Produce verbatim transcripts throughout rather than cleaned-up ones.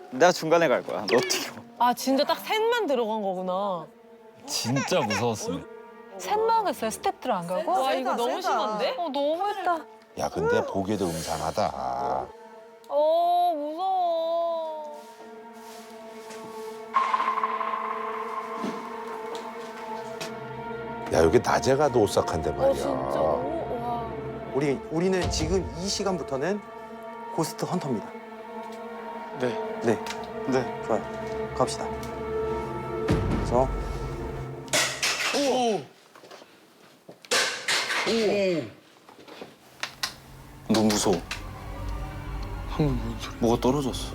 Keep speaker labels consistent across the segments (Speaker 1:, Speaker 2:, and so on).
Speaker 1: 내가 중간에 갈 거야. 너 어떻게 봐?
Speaker 2: 아 진짜 딱 셋만 들어간 거구나.
Speaker 3: 진짜 무서웠어요.
Speaker 4: 셋만 했어요. 스태프들 안 가고?
Speaker 2: 와 이거 너무
Speaker 5: 세다.
Speaker 2: 심한데?
Speaker 4: 어 너무했다.
Speaker 6: 야, 근데 보기에도 음산하다.
Speaker 2: 어 무서워.
Speaker 6: 야, 여기 낮에 가도 오싹한데 말이야.
Speaker 2: 어 진짜 너무 와.
Speaker 5: 우리 우리는 지금 이 시간부터는 고스트 헌터입니다.
Speaker 1: 네.
Speaker 5: 네,
Speaker 1: 네.
Speaker 5: 좋아요. 갑시다. 그래서
Speaker 1: 너무 무서워. 방금 뭔 소리? 뭐가 떨어졌어.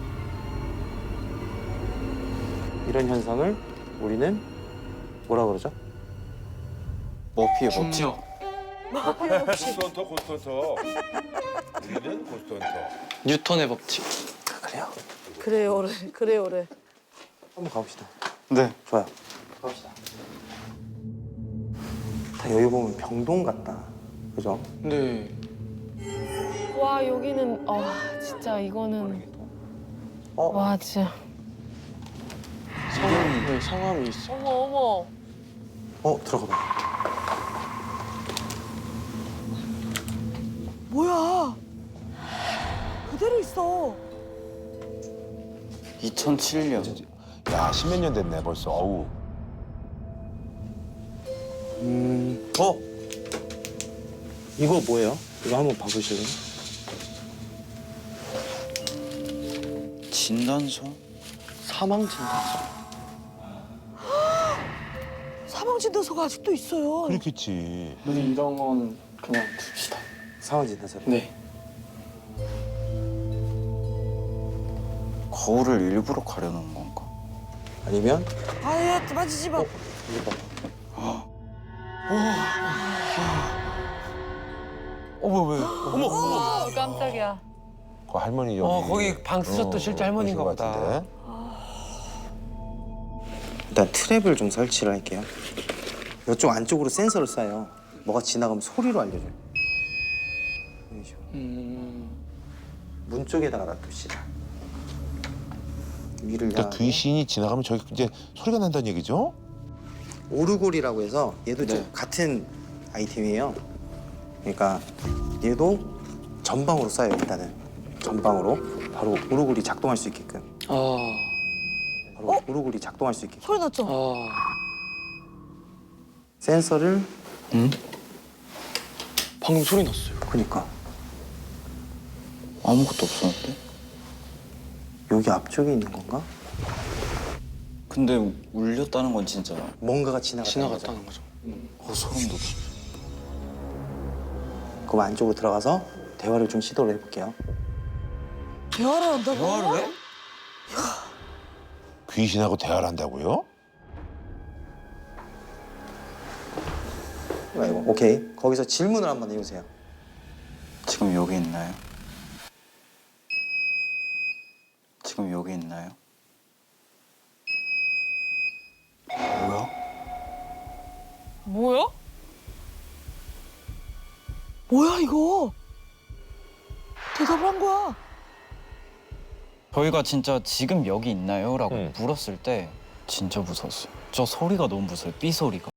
Speaker 5: 이런 현상을 우리는 뭐라 그러죠?
Speaker 1: 머피의 법칙.
Speaker 6: 고스트헌터, 고스트헌터. 우리는 고스트헌터.
Speaker 1: 뉴턴의 법칙.
Speaker 5: 그래요.
Speaker 2: 그래요래 그래요래.
Speaker 5: 한번 가봅시다.
Speaker 1: 네.
Speaker 5: 좋아요. 갑시다. 다 여기 보면 병동 같다. 그죠?
Speaker 1: 네.
Speaker 2: 와 여기는 아 진짜 이거는
Speaker 5: 어?
Speaker 2: 와 진짜
Speaker 1: 성함이 네, 성함이 있어.
Speaker 2: 어머 어머.
Speaker 5: 어, 들어가 봐.
Speaker 7: 뭐야? 그대로 있어.
Speaker 1: 이천칠 년.
Speaker 6: 야, 십몇 년 됐네, 벌써. 어우.
Speaker 5: 음, 어? 이거 뭐예요? 이거 한번 봐보실래요?
Speaker 1: 진단서? 사망 진단서.
Speaker 7: 사망 진단서가 아직도 있어요.
Speaker 6: 그렇겠지.
Speaker 1: 근데 이런 건 그냥 둡시다.
Speaker 5: 상황 진단서.
Speaker 1: 네. 거울을 일부러 가려놓은 건가?
Speaker 5: 아니면
Speaker 7: 아예 만지지 마.
Speaker 5: 이거 봐.
Speaker 3: 어머 왜? 어머.
Speaker 4: 어, 깜짝이야.
Speaker 6: 그 할머니 여기.
Speaker 3: 어 거기 방 쓰셨던 실제 할머니인가
Speaker 6: 그러신 것
Speaker 3: 보다.
Speaker 6: 같은데.
Speaker 5: 일단 트랩을 좀 설치를 할게요. 이쪽 안쪽으로 센서를 쏴요. 뭐가 지나가면 소리로 알려줘요. 이런 식으로.
Speaker 1: 음.
Speaker 5: 문 쪽에다가 놔둡시다. 위를
Speaker 6: 그러니까
Speaker 5: 향하게.
Speaker 6: 귀신이 지나가면 저기 이제 소리가 난다는 얘기죠?
Speaker 5: 오르골이라고 해서 얘도 좀
Speaker 1: 네.
Speaker 5: 같은 아이템이에요. 그러니까 얘도 전방으로 쏴요. 일단은 전방으로 바로 오르골이 작동할 수 있게끔.
Speaker 1: 아.
Speaker 5: 바로 오르골이 작동할 수 있게끔.
Speaker 7: 소리 났죠?
Speaker 1: 아.
Speaker 5: 센서를
Speaker 1: 응? 방금 소리 났어요.
Speaker 5: 그러니까
Speaker 1: 아무것도 없었는데?
Speaker 5: 여기 앞쪽에 있는 건가?
Speaker 1: 근데 울렸다는 건 진짜
Speaker 5: 뭔가가 지나갔다는
Speaker 1: 지나갔다는
Speaker 5: 거죠.
Speaker 1: 거죠. 어 소름 돋아.
Speaker 5: 그럼 안쪽으로 들어가서 대화를 좀 시도를 해볼게요.
Speaker 7: 대화를 한다고?
Speaker 3: 대화를 해?
Speaker 6: 귀신하고 대화를 한다고요?
Speaker 5: 아이고, 오케이. 거기서 질문을 한번 해보세요.
Speaker 1: 지금 여기 있나요? 지금 여기 있나요? 뭐야?
Speaker 2: 뭐야?
Speaker 7: 뭐야 이거? 대답을 한 거야.
Speaker 3: 저희가 진짜 지금 여기 있나요? 라고
Speaker 6: 응.
Speaker 3: 물었을 때 진짜 무서웠어요. 저 소리가 너무 무서워요. 삐 소리가.